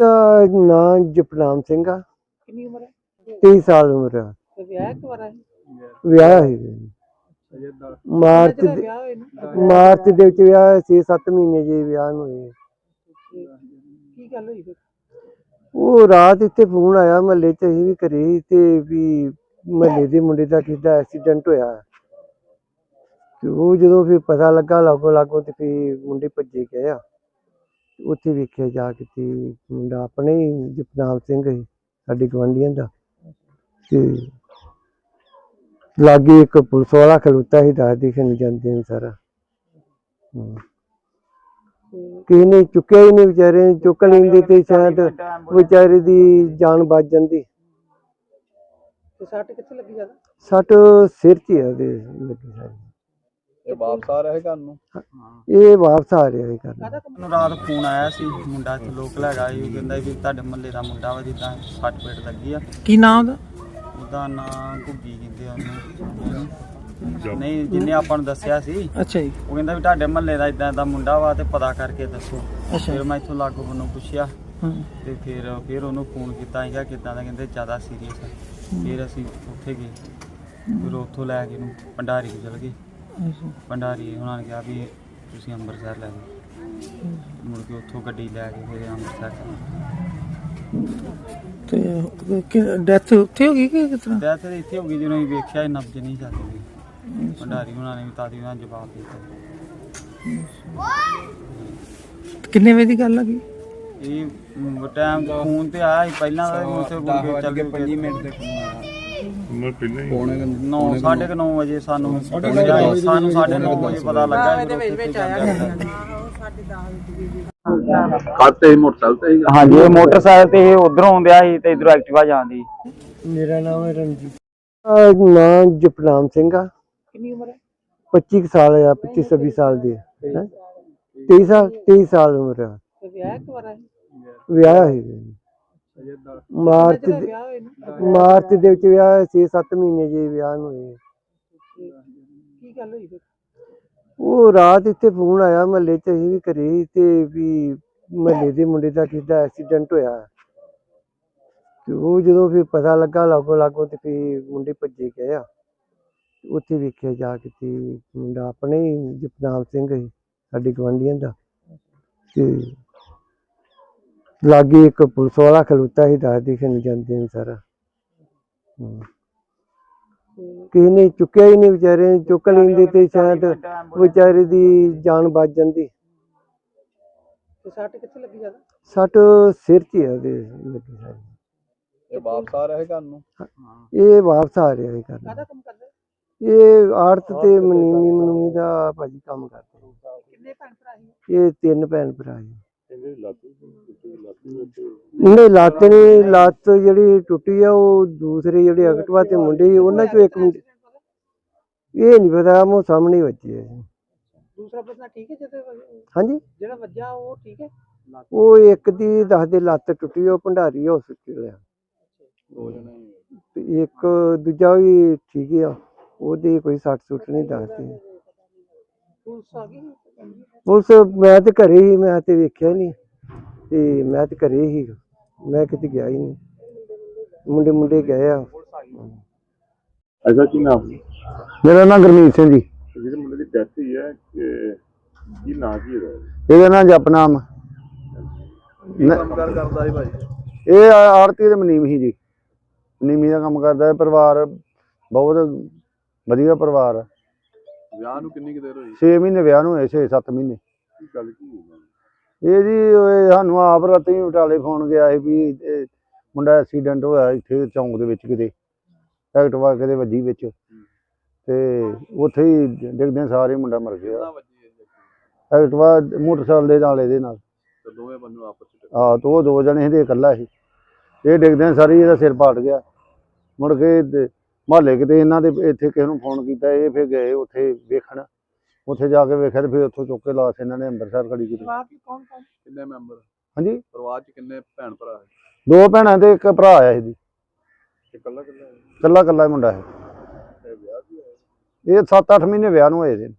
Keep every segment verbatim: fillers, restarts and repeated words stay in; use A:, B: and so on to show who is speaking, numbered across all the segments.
A: ਨਾਂ ਜਪਨਾਮ ਸਿੰਘ ਆ।
B: ਕਿੰਨੀ ਉਮਰ ਹੈ?
A: ਤੇਈ ਸਾਲ ਉਮਰ ਆ।
B: ਤੇ ਵਿਆਹ ਕਵਾਰਾ ਹੈ?
A: ਵਿਆਹ ਹੈ ਮਾਰਚ
B: ਕਿਹੜਾ
A: ਦੇ
B: ਵਿਆਹ ਹੋਇਆ ਇਹਨੂੰ?
A: ਮਾਰਚ ਦੇ ਵਿੱਚ ਵਿਆਹ ਛੇ ਸੱਤ ਮਹੀਨੇ ਜੀ ਵਿਆਹ ਨੂੰ ਹੋਏ।
B: ਕੀ ਗੱਲ ਹੋਈ ਫਿਰ?
A: ਉਹ ਰਾਤ ਇੱਥੇ ਫੋਨ ਆਇਆ ਮਹੱਲੇ 'ਚ, ਅਸੀਂ ਵੀ ਘਰੇ ਸੀ ਤੇ ਵੀ ਮਹੱਲੇ ਦੇ ਮੁੰਡੇ ਦਾ ਕਿਸੇ ਦਾ ਐਕਸੀਡੈਂਟ ਹੋਇਆ ਤੇ ਉਹ ਜਦੋਂ ਫਿਰ ਪਤਾ ਲੱਗਾ ਲਾਗੋ ਲਾਗੋ ਤੇ ਫਿਰ ਮੁੰਡੇ ਭੱਜੇ ਗਏ ਆ। ਉੱਥੇ ਵੇਖਿਆ ਜਾ ਕੇ ਤੇ ਮੁੰਡਾ ਆਪਣੇ ਹੀ ਜਪਨਾਮ ਸਿੰਘ ਸੀ, ਸਾਡੇ ਗੁਆਂਢੀਆਂ ਦਾ। ਤੇ ਲਾਗੇ ਇੱਕ ਪੁਲਿਸ ਵਾਲਾ ਖਲੋਤਾ ਸੀ, ਦੱਸ ਦਿਖਣ ਜਾਂਦੇ ਨੇ ਸਾਰਾ। ਕਿਸੇ ਨੇ ਚੁੱਕਿਆ ਹੀ ਨਹੀਂ, ਵਿਚਾਰੇ ਨੇ ਚੁੱਕ ਲੈਂਦੇ ਤੇ ਸ਼ਾਇਦ ਵਿਚਾਰੇ ਦੀ ਜਾਨ ਬਚ ਜਾਂਦੀ।
B: ਤੇ ਸੱਟ ਕਿੱਥੇ ਲੱਗੀ ਜ਼ਿਆਦਾ?
A: ਸੱਟ ਸਿਰ 'ਚ ਹੀ ਆ ਉਹਦੇ ਲੱਗੀ ਸਾਰੀ।
C: ਇਹ ਵਾਪਸ ਆ ਰਿਹਾ ਘਰ ਨੂੰ?
A: ਇਹ ਵਾਪਸ ਆ ਰਿਹਾ ਹੈ ਘਰ ਨੂੰ।
C: ਮੈਨੂੰ ਰਾਤ ਫੋਨ ਆਇਆ ਸੀ, ਮੁੰਡਾ ਇੱਥੇ ਲੋਕਲ ਹੈਗਾ ਸੀ, ਉਹ ਕਹਿੰਦਾ ਵੀ ਤੁਹਾਡੇ ਮੁਹੱਲੇ ਦਾ ਮੁੰਡਾ ਵਾ ਜਿੱਦਾਂ ਸੱਟ ਪੇਟ ਲੱਗੀ ਆ।
B: ਕੀ ਨਾਮ ਉਹਦਾ?
C: ਉਹਦਾ ਨਾਂ ਘੁੱਗੀ ਕਹਿੰਦੇ ਆ ਉਹਨੂੰ। ਨਹੀਂ, ਜਿਹਨੇ ਆਪਾਂ ਨੂੰ ਦੱਸਿਆ ਸੀ।
B: ਅੱਛਾ ਜੀ।
C: ਉਹ ਕਹਿੰਦਾ ਵੀ ਤੁਹਾਡੇ ਮੁਹੱਲੇ ਦਾ ਇਦਾਂ ਦਾ ਮੁੰਡਾ ਵਾ ਤੇ ਪਤਾ ਕਰਕੇ ਦੱਸੋ।
B: ਅੱਛਾ।
C: ਫਿਰ ਮੈਂ ਇੱਥੋਂ ਲਾਗੋਂ ਬੰਨੋਂ ਪੁੱਛਿਆ ਤੇ ਫਿਰ ਫਿਰ ਉਹਨੂੰ ਫੋਨ ਕੀਤਾ ਸੀਗਾ ਕਿੱਦਾਂ ਦਾ, ਕਹਿੰਦੇ ਜ਼ਿਆਦਾ ਸੀਰੀਅਸ ਆ। ਫਿਰ ਅਸੀਂ ਉੱਥੇ ਗਏ, ਫਿਰ ਉੱਥੋਂ ਲੈ ਕੇ ਇਹਨੂੰ ਭੰਡਾਰੀ ਚਲ ਗਏ। ਭੰਡਾਰੀ ਉਹਨਾਂ ਨੇ ਕਿਹਾ ਵੀ ਤੁਸੀਂ ਅੰਮ੍ਰਿਤਸਰ ਲੈ ਜਾਓ। ਮੁੜ ਕੇ ਉੱਥੋਂ ਗੱਡੀ ਲੈ ਕੇ ਫਿਰ ਅੰਮ੍ਰਿਤਸਰ
B: ਤੇ ਡੈਥ ਉੱਥੇ ਹੋ ਗਈ ਕਿ ਕਿਸ ਤਰ੍ਹਾਂ?
C: ਡੈਥ ਇੱਥੇ ਹੋ ਗਈ ਜਦੋਂ ਅਸੀਂ ਵੇਖਿਆ ਨਬਜ਼ ਨਹੀਂ ਚੱਲਦੀ। ਭੰਡਾਰੀ ਉਹਨਾਂ ਨੇ ਵੀ ਤਾਦੀ ਉਹਨਾਂ ਜਵਾਬ ਦਿੱਤਾ।
B: ਕਿੰਨੇ ਵਜੇ ਦੀ ਗੱਲ ਆ ਗਈ?
C: ਇਹ ਟਾਈਮ ਫੋਨ ਤੇ ਆਇਆ ਸੀ ਪਹਿਲਾਂ ਦਾ, ਉੱਥੇ ਚੱਲ ਕੇ ਪੰਜ ਮਿੰਟ ਦੇ ਫੋਨ ਆਇਆ। ਨੌ ਸਾਢੇ ਕੁ ਨੌ ਵਜੇ ਸਾਨੂੰ ਸਾਨੂੰ ਸਾਢੇ ਨੌ ਵਜੇ ਪਤਾ ਲੱਗਾ।
D: ਖਾਤੇ ਮੋਟਰਸਾਈਕਲ ਤੇ?
C: ਹਾਂਜੀ, ਇਹ ਮੋਟਰਸਾਈਕਲ ਤੇ ਇਹ ਉਧਰੋਂ ਆਉਂਦਿਆ ਸੀ ਤੇ ਇਧਰੋਂ ਐਕਟਿਵਾ ਜਾਂਦੀ।
A: ਮੇਰਾ ਨਾਮ ਹੈ ਰਣਜੀਤ। ਨਾਂ ਜਪਨਾਮ ਸਿੰਘ ਆ।
B: ਕਿੰਨੀ ਉਮਰ ਹੈ?
A: ਪੱਚੀ ਸਾਲ ਆ, ਪੱਚੀ ਛੱਬੀ ਸਾਲ ਦੀ। ਤੇਈ ਸਾਲ ਤੇਈ ਸਾਲ ਉਮਰ ਆ।
B: ਤੇ ਵਿਆਹ ਕਵਾਰਾ ਹੈ?
A: ਵਿਆਹ ਹੈ ਮਾਰਚ ਦੇ
B: ਵਿਆਹ ਹੋਇਆ ਇਹਨੂੰ?
A: ਮਾਰਚ ਦੇ ਵਿੱਚ ਵਿਆਹ ਛੇ ਸੱਤ ਮਹੀਨੇ ਜੀ ਵਿਆਹ ਨੂੰ ਹੋਏ।
B: ਕੀ ਗੱਲ ਹੋਈ ਫਿਰ?
A: ਉਹ ਰਾਤ ਇੱਥੇ ਫੋਨ ਆਇਆ ਮਹੱਲੇ 'ਚ, ਅਸੀਂ ਵੀ ਘਰੇ ਸੀ ਤੇ ਵੀ ਮਹੱਲੇ ਦੇ ਮੁੰਡੇ ਦਾ ਕਿਸੇ ਦਾ ਐਕਸੀਡੈਂਟ ਹੋਇਆ ਤੇ ਉਹ ਜਦੋਂ ਫਿਰ ਪਤਾ ਲੱਗਾ ਲਾਗੋ ਲਾਗੋ ਤੇ ਫਿਰ ਮੁੰਡੇ ਭੱਜੇ ਗਏ ਆ। ਉੱਥੇ ਵੇਖਿਆ ਜਾ ਕੇ ਤੇ ਮੁੰਡਾ ਆਪਣੇ ਹੀ ਜਪਨਾਮ ਸਿੰਘ ਸੀ, ਸਾਡੇ ਗੁਆਂਢੀਆਂ ਦਾ। ਤੇ ਲਾਗੇ ਇੱਕ ਪੁਲਿਸ ਵਾਲਾ ਖਲੋਤਾ ਸੀ, ਦੱਸ ਦਿਖਣ ਜਾਂਦੇ ਨੇ ਸਾਰਾ। ਕਿਸੇ ਨੇ ਚੁੱਕਿਆ ਹੀ ਨਹੀਂ, ਵਿਚਾਰੇ ਨੇ ਚੁੱਕ ਲੈਂਦੇ ਤੇ ਸ਼ਾਇਦ ਵਿਚਾਰੇ ਦੀ ਜਾਨ ਬਚ ਜਾਂਦੀ।
B: ਤੇ ਸੱਟ ਕਿੱਥੇ ਲੱਗੀ ਜ਼ਿਆਦਾ?
A: ਸੱਟ ਸਿਰ 'ਚ ਹੀ ਆ ਉਹਦੇ ਲੱਗੀ ਸਾਰੀ।
D: ਇਹ ਵਾਪਸ ਆ ਰਿਹਾ ਘਰ ਨੂੰ?
A: ਇਹ ਵਾਪਸ ਆ ਰਿਹਾ ਹੈ ਘਰ ਨੂੰ।
B: ਕਾਹਦਾ ਕੰਮ ਕਰਦਾ?
A: ਇਹ ਆੜਤ ਤੇ ਮਨੀਮੀ ਮਨੂਮੀ ਦਾ ਭਾਜੀ ਕੰਮ ਕਰਦੇ।
B: ਕਿੰਨੇ ਭੈਣ ਭਰਾ ਸੀ?
A: ਇਹ ਤਿੰਨ ਭੈਣ ਭਰਾ ਜੀ। ਨਹੀਂ, ਲੱਤ ਨਹੀਂ, ਲੱਤ ਜਿਹੜੀ ਟੁੱਟੀ ਆ ਉਹ ਦੂਸਰੇ ਜਿਹੜੇ ਐਕਟਿਵਾ ਤੇ ਮੁੰਡੇ ਸੀ ਉਹਨਾਂ ਚੋਂ ਇੱਕ ਮੁੰਡੇ, ਇਹ ਨਹੀਂ ਪਤਾ, ਮੋ ਸਾਹਮਣੇ ਵੱਜੀ ਹੈ।
B: ਦੂਸਰਾ ਬੰਦਾ ਠੀਕ ਹੈ ਜਿਹਦੇ?
A: ਹਾਂਜੀ,
B: ਜਿਹੜਾ ਵੱਜਾ ਉਹ ਠੀਕ ਹੈ?
A: ਉਹ ਇੱਕ ਦੀ ਦੱਸਦੇ ਲੱਤ ਟੁੱਟੀ, ਉਹ ਭੰਡਾਰੀ ਹਸਪੀਟਲ ਆ। ਤੇ ਇੱਕ ਦੂਜਾ ਵੀ ਠੀਕ ਆ, ਉਹਦੀ ਕੋਈ ਸੱਟ ਸੁੱਟ ਨਹੀਂ ਦੱਸਦੇ।
B: ਪੁਲਿਸ ਆ ਗਈ?
A: ਪੁਲਿਸ ਮੈਂ ਤੇ ਘਰੇ ਹੀ, ਮੈਂ ਤੇ ਵੇਖਿਆ ਨਹੀਂ ਤੇ ਮੈਂ ਤੇ ਘਰੇ ਹੀ, ਮੈਂ ਕਿਤੇ ਗਿਆ ਹੀ ਨਹੀਂ। ਮੁੰਡੇ ਮੁੰਡੇ ਗਏ ਆ।
D: ਅੱਛਾ, ਕੀ ਨਾਮ?
A: ਮੇਰਾ ਨਾਮ ਗੁਰਮੀਤ ਸਿੰਘ ਜੀ।
D: ਜਿਹੜੇ ਮੁੰਡੇ ਦੀ ਡੈਥ ਹੋਈ ਹੈ ਕੀ ਨਾਂ ਕੀ ਇਹਦਾ?
A: ਇਹਦਾ ਨਾਮ ਜਪਨਾਮ।
D: ਕੰਮ ਕਾਰ ਕਰਦਾ ਸੀ ਭਾਈ?
A: ਇਹ ਆੜਤੀ ਦੇ ਮਨੀਮ ਸੀ ਜੀ, ਮਨੀਮੀ ਦਾ ਕੰਮ ਕਰਦਾ ਹੈ। ਪਰਿਵਾਰ ਬਹੁਤ ਵਧੀਆ ਪਰਿਵਾਰ ਆ।
D: ਵਿਆਹ ਨੂੰ ਕਿੰਨੀ ਕੁ ਦੇਰ ਹੋਈ?
A: ਛੇ ਮਹੀਨੇ ਵਿਆਹ ਨੂੰ ਹੋਏ, ਛੇ ਸੱਤ ਮਹੀਨੇ।
D: ਕੀ ਗੱਲ ਕੀ ਹੋਈ?
A: ਇਹ ਜੀ ਸਾਨੂੰ ਆਪ ਰਾਤੀ ਬਟਾਲੇ ਫੋਨ ਗਿਆ ਸੀ ਵੀ ਮੁੰਡਾ ਐਕਸੀਡੈਂਟ ਹੋਇਆ ਇੱਥੇ ਚੌਂਕ ਦੇ ਵਿੱਚ, ਕਿਤੇ ਐਕਟਿਵਾ ਕਿਤੇ ਵੱਜੀ ਵਿੱਚ ਤੇ ਉੱਥੇ ਹੀ ਡਿੱਗਦੇ ਸਾਰੇ ਮੁੰਡਾ ਮਰ ਗਿਆ। ਐਕਟਿਵਾ ਮੋਟਰਸਾਈਕਲ ਦੇ ਨਾਲ, ਇਹਦੇ ਨਾਲ
D: ਦੋਵੇਂ ਬੰਦੇ ਆਪਸ ਵਿੱਚ?
A: ਹਾਂ, ਤੇ ਉਹ ਦੋ ਜਣੇ ਇਹਦੇ ਇਕੱਲਾ ਸੀ। ਇਹ ਡਿੱਗਦੇ ਸਾਰੀ ਇਹਦਾ ਸਿਰ ਪਾਟ ਗਿਆ। ਮੁੜ ਕੇ ਮੁਹੱਲੇ ਕਿਤੇ ਇਹਨਾਂ ਦੇ ਇੱਥੇ ਕਿਸੇ ਨੂੰ ਫੋਨ ਕੀਤਾ, ਇਹ ਫਿਰ ਗਏ ਉੱਥੇ ਵੇਖਣ। ਉੱਥੇ ਜਾ ਕੇ ਵੇਖਿਆ ਤੇ ਫਿਰ ਉੱਥੋਂ ਚੁੱਕ ਕੇ ਲਾਸ਼ ਇਹਨਾਂ ਨੇ ਅੰਮ੍ਰਿਤਸਰ ਖੜੀ ਕੀਤੀ।
B: ਪਰਿਵਾਰ ਚ ਕੌਣ ਕੌਣ?
D: ਕਿੰਨੇ ਮੈਂਬਰ?
A: ਹਾਂਜੀ,
D: ਪਰਿਵਾਰ ਚ ਕਿੰਨੇ ਭੈਣ ਭਰਾ ਹੈ?
A: ਦੋ ਭੈਣਾਂ ਤੇ ਇੱਕ ਭਰਾ ਆਇਆ ਇਹਦੀ।
D: ਇਕੱਲਾ ਇਕੱਲਾ?
A: ਇਕੱਲਾ ਇਕੱਲਾ ਮੁੰਡਾ ਹੈ।
D: ਵਿਆਹ ਵੀ ਹੋਇਆ?
A: ਇਹ ਸੱਤ ਅੱਠ ਮਹੀਨੇ ਵਿਆਹ ਨੂੰ ਹੋਏ ਦੇ।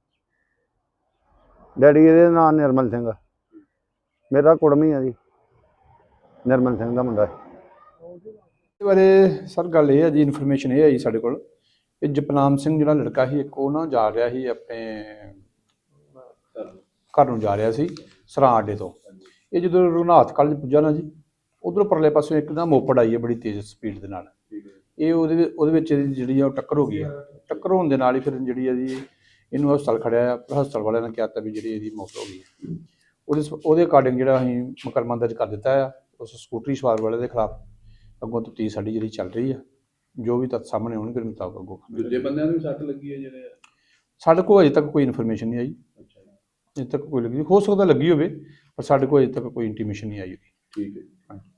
A: ਡੈਡੀ ਇਹਦੇ ਨਾਂ ਨਿਰਮਲ ਸਿੰਘ, ਮੇਰਾ ਕੁੜਮੀ ਆ ਜੀ।
E: ਨਿਰਮਲ ਸਿੰਘ ਦਾ ਮੁੰਡਾ।
F: ਇਹਦੇ ਬਾਰੇ ਸਰ ਗੱਲ ਇਹ ਹੈ ਜੀ, ਇਨਫੋਰਮੇਸ਼ਨ ਇਹ ਆਈ ਸਾਡੇ ਕੋਲ ਕਿ ਜਪਨਾਮ ਸਿੰਘ ਜਿਹੜਾ ਲੜਕਾ ਸੀ ਇੱਕ, ਉਹ ਨਾ ਜਾ ਰਿਹਾ ਸੀ ਆਪਣੇ ਘਰ ਨੂੰ ਜਾ ਰਿਹਾ ਸੀ ਸਰਾਂ ਅੱਡੇ ਤੋਂ। ਇਹ ਜਦੋਂ ਰਘੁਨਾਥ ਕਾਲਜ ਪੁੱਜਾ ਨਾ ਜੀ, ਉਧਰੋਂ ਪਰਲੇ ਪਾਸੋਂ ਇੱਕ ਨਾ ਮੋਪੜ ਆਈ ਹੈ ਬੜੀ ਤੇਜ਼ ਸਪੀਡ ਦੇ ਨਾਲ। ਇਹ ਉਹਦੇ ਵਿੱਚ ਉਹਦੇ ਵਿੱਚ ਇਹਦੀ ਜਿਹੜੀ ਆ ਉਹ ਟੱਕਰ ਹੋ ਗਈ ਹੈ। ਟੱਕਰ ਹੋਣ ਦੇ ਨਾਲ ਹੀ ਫਿਰ ਜਿਹੜੀ ਆ ਜੀ ਇਹਨੂੰ ਹਸਪਤਾਲ ਖੜਿਆ ਆ। ਹਸਪਤਾਲ ਵਾਲਿਆਂ ਨੇ ਕਿਹਾ ਤਾਂ ਵੀ ਜਿਹੜੀ ਇਹਦੀ ਮੌਤ ਹੋ ਗਈ ਹੈ। ਉਹਦੇ ਉਹਦੇ ਅਕਾਰਡਿੰਗ ਜਿਹੜਾ ਅਸੀਂ ਮੁਕੱਦਮਾ ਦਰਜ ਕਰ ਦਿੱਤਾ ਆ ਉਸ ਸਕੂਟਰੀ ਸਵਾਰ ਵਾਲੇ ਦੇ ਖਿਲਾਫ। ਅੱਗੋਂ ਤਫਤੀਸ਼ ਸਾਡੀ ਜਿਹੜੀ ਚੱਲ ਰਹੀ ਆ, ਜੋ ਵੀ ਤੱਥ ਸਾਹਮਣੇ ਆਉਣਗੇ ਉਹਦੇ ਮੁਤਾਬਕ ਅੱਗੋਂ।
G: ਦੂਜੇ ਬੰਦਿਆਂ ਨੂੰ ਵੀ ਸੱਟ ਲੱਗੀ ਹੈ ਜਿਹੜੇ?
F: ਸਾਡੇ ਕੋਲ ਅਜੇ ਤੱਕ ਕੋਈ ਇਨਫੋਰਮੇਸ਼ਨ ਨਹੀਂ ਆਈ। ਅਜੇ ਤੱਕ ਕੋਈ ਲੱਗੀ, ਹੋ ਸਕਦਾ ਲੱਗੀ ਹੋਵੇ, ਪਰ ਸਾਡੇ ਕੋਲ ਅਜੇ ਤੱਕ ਕੋਈ ਇੰਟੀਮੇਸ਼ਨ ਨਹੀਂ ਆਈ।
G: ਠੀਕ ਹੈ।
F: ਹਾਂਜੀ।